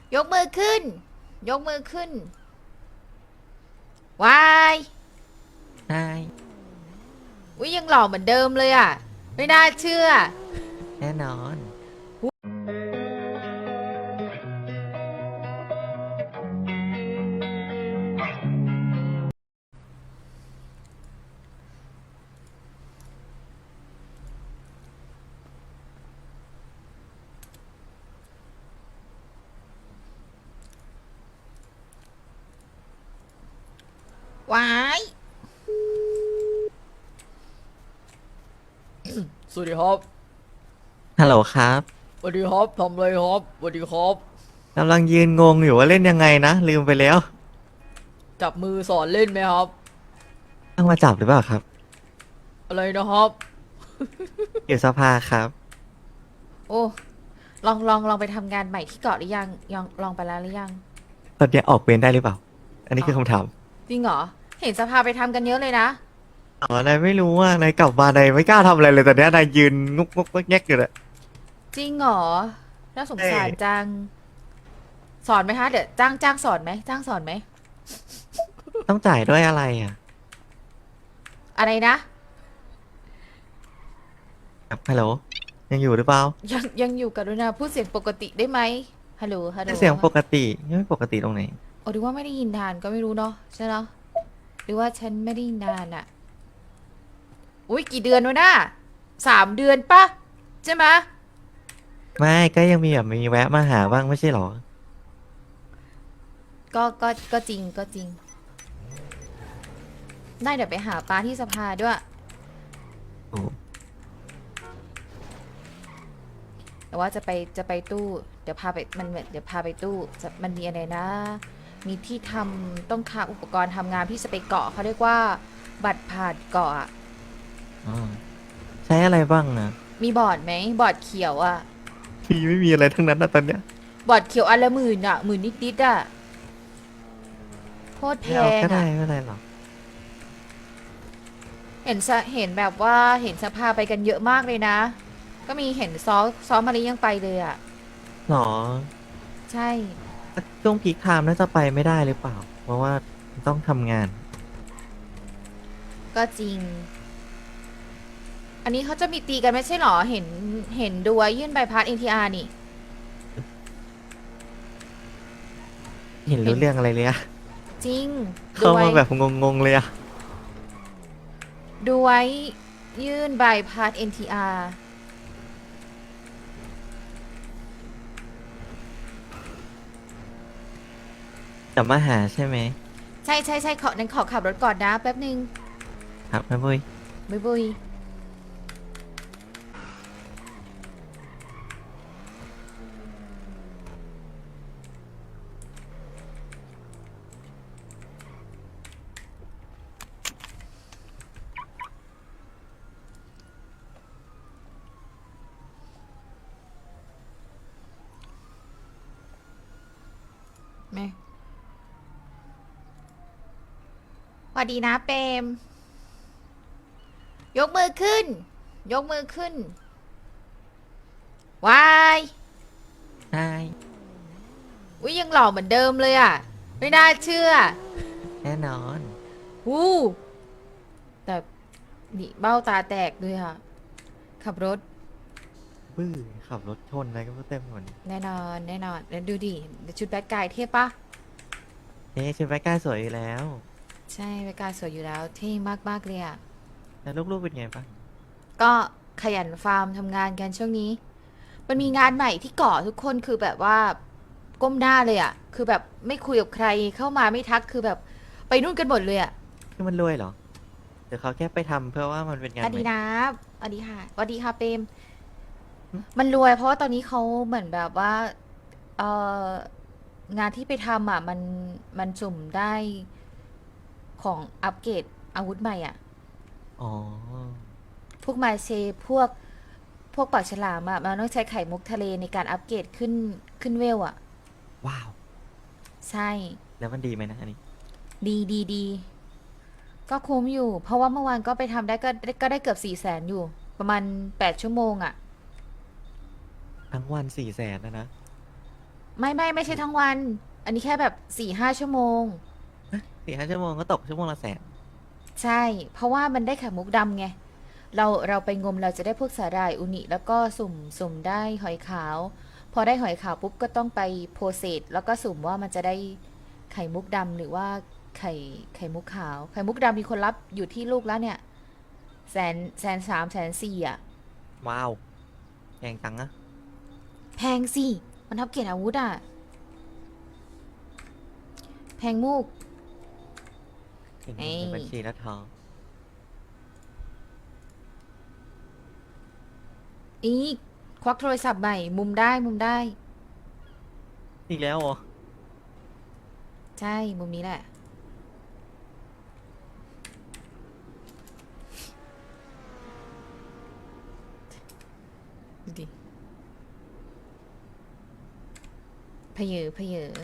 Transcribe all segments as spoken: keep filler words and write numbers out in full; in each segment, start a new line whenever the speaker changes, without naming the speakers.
ยกมือขึ้น ยกมือขึ้นวาย
ใช่
อุ้ยยังหล่อเหมือนเดิมเลยอ่ะ ไม่น่าเชื่อ
แน่นอน
วาย สวัสดีครับ
ฮัลโหลครับ
สวัสดีครับทำอะไรครับสวัสดีครับ
กำลังยืนงงอยู่ว่าเล่นยังไงนะลืมไปแล้ว
จับมือสอนเล่นไหมครับ
ต้องมาจับหรือเปล่าครับ
อะไรนะครับ
อยู่สภาครับ
โอ้ ลองลองลองไปทำงานใหม่ที่เกาะหรือยังยังลองไปแล้วหรือยัง
ตอนเนี้ยออกเวรได้หรือเปล่า อันนี้
อ๋อ
คือคำถาม
จริงเหรอ เห็นสภาไปทำกันเยอะเลยนะ
อ๋อนายไม่รู้ว่านายกลับมานายไม่กล้าทำอะไรเลยตอนเนี้ยนายยืนงุกงุกแงกอยู่เลย
จริงเหรอ น่าสง
เอ้
สารจัง สอนไหมคะ เดี๋ยวจ้างจ้างสอนไหมจ้างสอนไหม
ต้องจ่ายด้วยอะไรอ่ะ
อะไรนะ
ครับฮัลโหลยังอยู่หรือเปล่า
ยังยังอยู่กับดุนาพูดเสียงปกติได้ไหมฮัลโหลฮัลโหล
เสียงปกติไม่ปกติตรงไหน
โอ้ดูว่าไม่ได้ยินนานก็ไม่รู้เนาะใช่เนาะหรือว่าฉันไม่ได้ยินนานอะอุ้ยกี่เดือนวะน่าสามเดือนปะใช่ไหมะ
ไม่ก็ยังมีแบบมีแวะมาหาบ้างไม่ใช่หรอ
ก็ก็ก็จริงก็จริงได้เดี๋ยวไปหาป้าที่สภาด้วย
โอ้
แต่ว่าจะไปจะไปตู้เดี๋ยวพาไปมันเดี๋ยวพาไปตู้จะมันมีอะไรนะ มีที่ทำต้องค้าอุปกรณ์ทำงานพี่จะไปเกาะเขาเรียกว่าบัตรผ่านเกาะอะ
อ๋อใช้อะไรบ้างอ่ะ
มีบอร์ดไหมบอร์ดเขียวอะ
พี่ไม่มีอะไรทั้งนั้นนะตอนเนี้ย
บอร์ดเขียวอันละหมื่นอ่ะหมื่นนิดๆอ่ะโคตรแพ
ไม่เอา
งอ่ะ
ก็ได้ไม่เป็นไรหรอก
เห็นสะเห็นแบบว่าเห็นสภาไปกันเยอะมากเลยนะ ก็มีเห็นซอซอมารียังไปเลยอ่ะ
หรอ
ใช่
ช่วงพีคไทม์น่าจะไปไม่ได้หรือเปล่า เพราะว่าต้องทำงาน
ก็จริง อันนี้เขาจะมีตีกันไม่ใช่หรอเห็นเห็นดูว่ายื่นใบพัด เอ็น ที อาร์ นี่
เห็น
เห็น
รู้เรื่องอะไรเลยอะ
จริงดู
เข้า
ไว้
มาแบบงงๆเลยอะ
ดูไว้ยื่นใบพัด เอ็น ที อาร์
จะมาหาใช่ไหม
ใช่ใช่ใช่ขอนั้นขอขับรถก่อนนะแป๊บนึง
ครับแม่บุ้ย
บุยบุยไม่สวัสดีนะเปรม ยกมือขึ้น ยกมือขึ้นวาย
ใช่
อุ้ยยังหล่อเหมือนเดิมเลยอ่ะ ไม่น่าเชื่อ
แน่นอน
วู้แต่นี่เบ้าตาแตกเลยค่ะ ขับรถ
บื้อขับรถชนอะไรก็ไม่เต็มหมด
แน่นอน แน่นอน แล้วดูดิชุดแบดกายเท่ปะ
เอ๊ะชุดแบ็คกล้าสวยอยู่แล้ว
ใช่แบดกายสวยอยู่แล้ว เท่มากๆเลยอ่ะ
แล้วลูกๆเป็นไงบ้าง
ก็ขยันฟาร์มทำงานกันช่วงนี้ มันมีงานใหม่ที่เกาะทุกคนคือแบบว่าก้มหน้าเลยอ่ะ คือแบบไม่คุยกับใครเข้ามาไม่ทักคือแบบไปนู่นกันหมดเลยอ่ะ
คือมันรวยเหรอเดี๋ยวเขาแค่ไปทำเพื่อว่ามันเป็นงานใหม่
อดีนะอดีค่ะสวัสดีค่ะเปรมมันรวยเพราะว่าตอนนี้เขาเหมือนแบบว่าเอองานที่ไปทำอ่ะมันมันสุ่มได้ของอัปเกรดอาวุธใหม่อ่ะ
อ๋อ
พวกมาเชพวกพวกปากฉลามอ่ะมันต้องใช้ไข่มุกทะเลในการอัปเกรดขึ้นขึ้นเวลอ่ะ
ว้าว
ใช่
แล้วมันดีไหมนะอันนี้
ดีดีดีก็คุ้มอยู่ เพราะว่าเมื่อวานก็ไปทำได้ก็ก็ได้เกือบสี่แสนอยู่ ประมาณแปดชั่วโมงอ่ะ
ทั้งวันสี่แสนนะนะ
ไม่ไม่ไม่ใช่ทั้งวัน อันนี้แค่แบบสี่ห้าชั่วโมง
สี่ห้าชั่วโมงก็ตกชั่วโมงละแสน
ใช่ เพราะว่ามันได้ไข่มุกดำไง เราเราไปงมเราจะได้พวกสาหร่ายอุนิแล้วก็สุ่มสุ่มได้หอยขาว พอได้หอยขาวปุ๊บก็ต้องไปโพเซสแล้วก็สุ่มว่ามันจะได้ไข่มุกดำหรือว่าไข่ไข่มุกขาว ไข่มุกดำมีคนรับอยู่ที่ลูกแล้วเนี่ยแสนแสนสามแสนสี่อ่ะ
ว้าวแพงจังอะ
แพงสิ มันทับเกียรติอาวุธอ่ะ แพงมูก
เห็น
เอ้ย
ในบัญชีแล้วท้อง
อีกควักโทรศัพท์ใหม่ มุมได้มุมได้
อีกแล้วเหรอ
ใช่ มุมนี้แหละ ดูดิเพเยอเพเยอ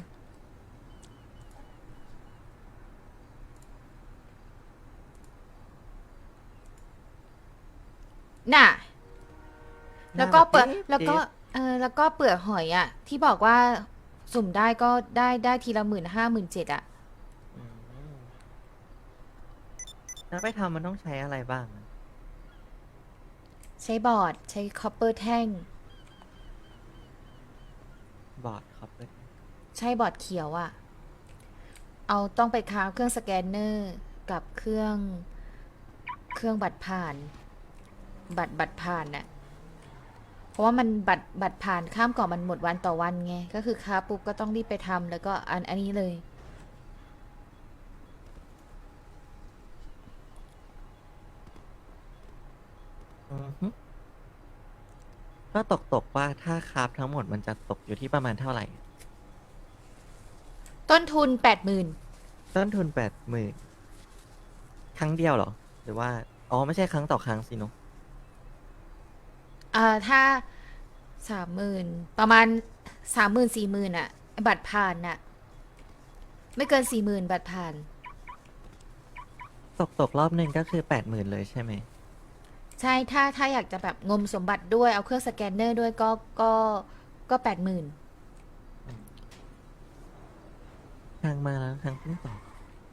น่ะ แล้วก็เปลือก
น่ารัก
แล้วก็
เดฟ
เออ แล้วก็เปลือกหอยอ่ะ ที่บอกว่าสุ่มได้ก็ได้ได้ทีละหมื่นห้าหมื่นเจ็ดอ่ะ
อืมแล้วไปทำมันต้องใช้อะไรบ้างอะ
ใช้บอร์ด ใช้คอปเปอร์แท่ง
บอร์ดครับเลย
ใช่บอร์ดเขียวอะ่ะ เอาต้องไปค้าเครื่องสแกนเนอร์กับเครื่องเครื่องบัตรผ่าน บัตรบัตรผ่านน่ะ เพราะว่ามันบัตรบัตรผ่านข้ามเกาะมันหมดวันต่อวันไง ก็คือค้าปุ๊บก็ต้องรีบไปทำแล้วก็อันอันนี้เลย
อือฮึก็ตกตกว่าถ้าคราฟทั้งหมดมันจะตกอยู่ที่ประมาณเท่าไหร่
ต้นทุนแปดหมื่น
ต้นทุนแปดหมื่นครั้งเดียวเหรอ หรือว่า อ๋อ ไม่ใช่ครั้งต่อครั้งสิเนอะ
อ่าถ้าสามหมื่นประมาณสามหมื่นสี่หมื่นอะบัตรผ่านน่ะ ไม่เกินสี่หมื่นบัตรผ่าน
ตกตกรอบหนึ่งก็คือแปดหมื่นเลยใช่ไหม
ใช่ ถ้าถ้าอยากจะแบบงมสมบัติด้วยเอาเครื่องสแกนเนอร์ด้วยก็ก็ก็แปดหมื่น
ทางมาแล้วทางเพิ่งต่อ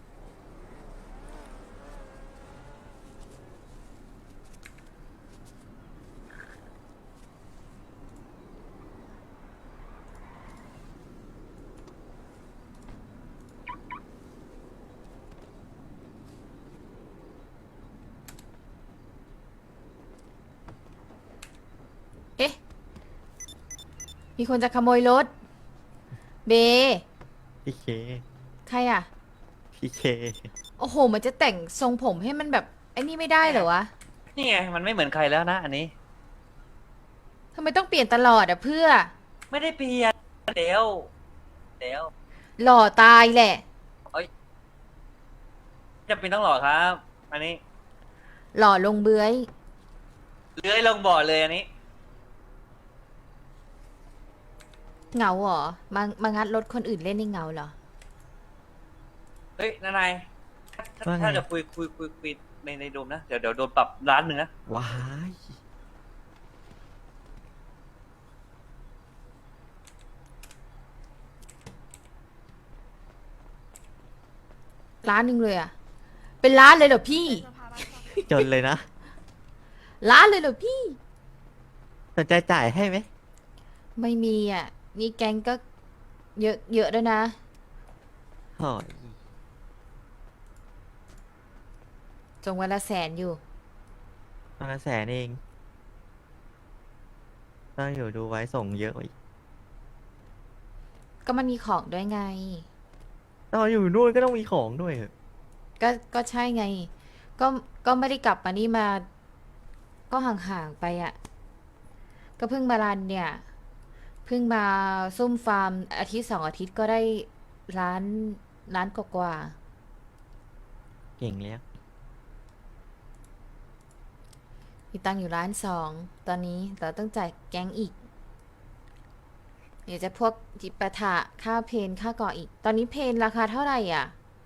เอ๊ะ มีคนจะขโมยรถ เบ
พีเค
ใครอ่ะ
พีเค
โอ้โห มันจะแต่งทรงผมให้มันแบบไอ้นี่ไม่ได้เหรอวะ
นี่ไงมันไม่เหมือนใครแล้วนะอันนี้
ทำไมต้องเปลี่ยนตลอดอ่ะเพื่อ
ไม่ได้เปลี่ยนเดี๋ยวเดี๋ยว
หล่อตายแหละ
จะเป็นต้องหล่อครับ อันนี้
หล่อลงเบื้อย
เลื้อยลงบ่อเลยอันนี้
เหงาเหรอ มามางัดรถคนอื่นเล่นในเหงาเหรอ
เฮ้ยนายถ้า
ว่าไง
ถ้าจะคุยคุยคุยคุยในในโดมนะ เดี๋ยวเดี๋ยวโดนปรับร้านหนึ่งนะ
ว้าย
ร้านหนึ่งเลยอ่ะ เป็นร้านเลยเหรอพี่
จนเลยนะ
ร้านเลยเหรอพี่
สนใจจ่ายให้ไหม
ไม่มีอ่ะ นี่แกงก็เยอะเยอะด้วยนะ
หอย
จงวันละแสนอยู่
มาแสนเองต้องอยู่ดูไว้ส่งเยอะอีก
ก็มันมีของด้วยไง
ตอนอยู่นู่นก็ต้องมีของด้วยเหรอ
ก็ก็ใช่ไง ก็ก็ไม่ได้กลับมานี่มา ก็ห่างๆไปอ่ะ ก็เพิ่งมารันเนี่ย เพิ่งมาซุ่มฟาร์มอาทิตย์สองอาทิตย์ก็ได้ร้านร้านกว่าๆ
เก่งแล้ว
มีตังค์อยู่ล้านสองตอนนี้แต่ต้องจ่ายแก๊งอีก เดี๋ยวจะพวกจิปาถะค่าเพนค่าก่ออีก ตอนนี้เพนราคาเท่าไหร่อ่ะ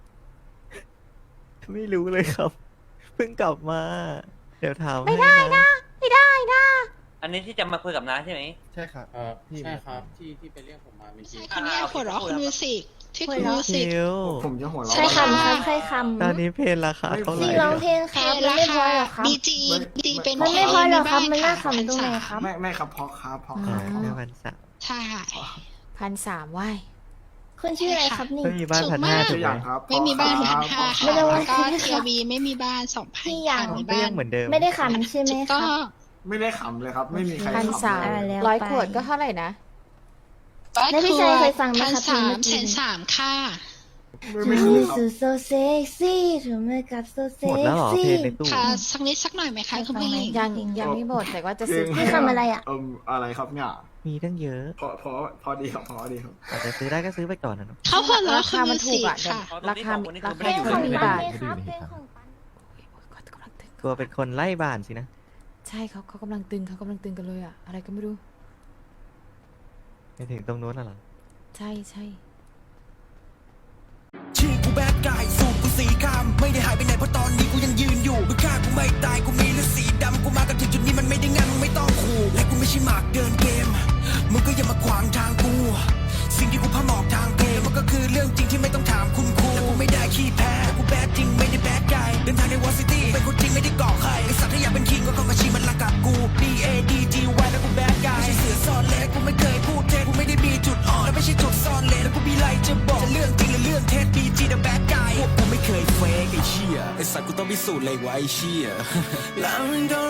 ไม่รู้เลยครับ เพิ่งกลับมา เดี๋ยวถาม
ไม่
ให้
ได้
นะ
นะ ไม่ได้นะ
อัอันนี้ที่จะมาคุยกับน้าใช่ไหม
ใช่ครับ
เออ
พี่
ใช่ครับที่ที่ไปเรียกผมมาเมื่อกี้
คนเนี้ยหัวเราะคุณมิวสิกที่คุณ
หัว
มิ
เราะ
วสิก
คิว
ผมจะหัวเราะ
ใช่ค่ะ
ครับใช่ค
ตอนนี้เพลงราคาเท่าไหร่
ำที่ร้องเพลงครับมันไม่พอหรอครับ
บีจีบีจีเป็น
มันไม่พอหรอกครับ
ใน
มัน
บ้
น่าขำตรงไหนครับ
ไม่ไม่ครับเพราะครับเพราะค
อ่า
รับ
แค่พันสาม
ใช่
พันสามไหว
คุณชื่ออะไรครับนี่
ไม่มีบ้านพัน
สูง
ห้าม
าก
ถู
ตัว
ก
อ
ไหม
ย่างครับ
ไม่มีบ้านพันห้า
เพระ
ค่ะ
ครับ
แล้วก็เทียบีไม่มีบ้านสองพัน
พี่อย่าง
มี
ก็
บ้า
ยั
น
งเหมือนเดิม
ไม่ได้ขำใช่ไหม
ถูก
ค
ต้อ
รับ
ง
ไม่ได้ขำเลยครับ ไม่มีใคร
พัน
ขำ
สาม
เลย
แล้ว
ร้อย
ไป
ขวดก็เท่าไหร่นะ
แล้วพี่ชายเคยฟังไหม
พัน
ครับ
สาม
เพลงเมื่อกี้
แสนสามค่ะ
ไม่
To
ไม่เคย
me
ครับ
so so sexy to make up so
หมดแล้วเหรอเพล
sexy
งในตู้
ค่ะ สักนิดสักหน่อยไหมคะคุณผู้หญิง
ยังยังไม่หมดแต่ว่าจะซื้อ
พี่ทำอะไรอ่ะ
เอ่มอะไรครับเนี่ย
มีตั้งเยอะ
พอพอพอดีครับพอดีครับ
อาจจะซื้อได้ก็ซื้อไปก่อนนะเนาะ
เขาหัวเราะ
รา
คุ
คา
ณ
มั
มิ
น
ว
ถู
สิ
ก
ก
อ่ะ
ค่ะ
ราคา
คนนี้
รา
คือ
คา
ไม่ได้อยู่
ถูก
ใน
บาท
เพลงของปัน
กำลังตึง
กลัวเป็นคนไล่บ้านสินะ
ใช่เขาเขากำลังตึงเขากำลังตึงกันเลยอ่ะ อะไรก็ไม่รู้
ไปถึงตรงนู้นน่ะเหรอ
ใช่ใช่
ชื่อกูแบดกายสูตรกูสีคำไม่ได้หายไปไหนเพราะตอนนี้กูยังยืนอยู่มึงฆ่ากูไม่ตายกูมีเลือดสีดำกูมากันถึงจุดนี้มันไม่ได้งานมึงไม่ต้องขู่และกูไม่ใช่หมากเดินเกมมึงก็อย่ามาขวางทางกูสิ่งที่กูพาหมอกทางเพลงมันก็คือเรื่องจริงที่ไม่ต้องถามคุณครูและกูไม่ได้ขี้แพ้กูแบดจริงไม่ได้แบดกายเดินทางในวอร์ซิตี้เป็นคนจริงไม่ได้ก่อใครไอสัตว์ถ้าอยากเป็นคิงก็เข้ามาชิงมันละกับกู D A D G Y แล้วกูแบดกายไม่ใช่เสือซ่อนเลนและกูไม่เคยพูดเท็จกูไม่ได้มีจุดอ่อนและไม่ใช่จุดซ่อนเลนแล้วกูมีอะไรจะบอกจะเรื่องจริงหรือเรื่องเท็จ B G the bad guy พวกกูไม่เคยเฟกไอ้เชี่ยไอสัตว์กูต้องพิสูจน์เลยว่าไอ้เชี่ยแล้วมึงก็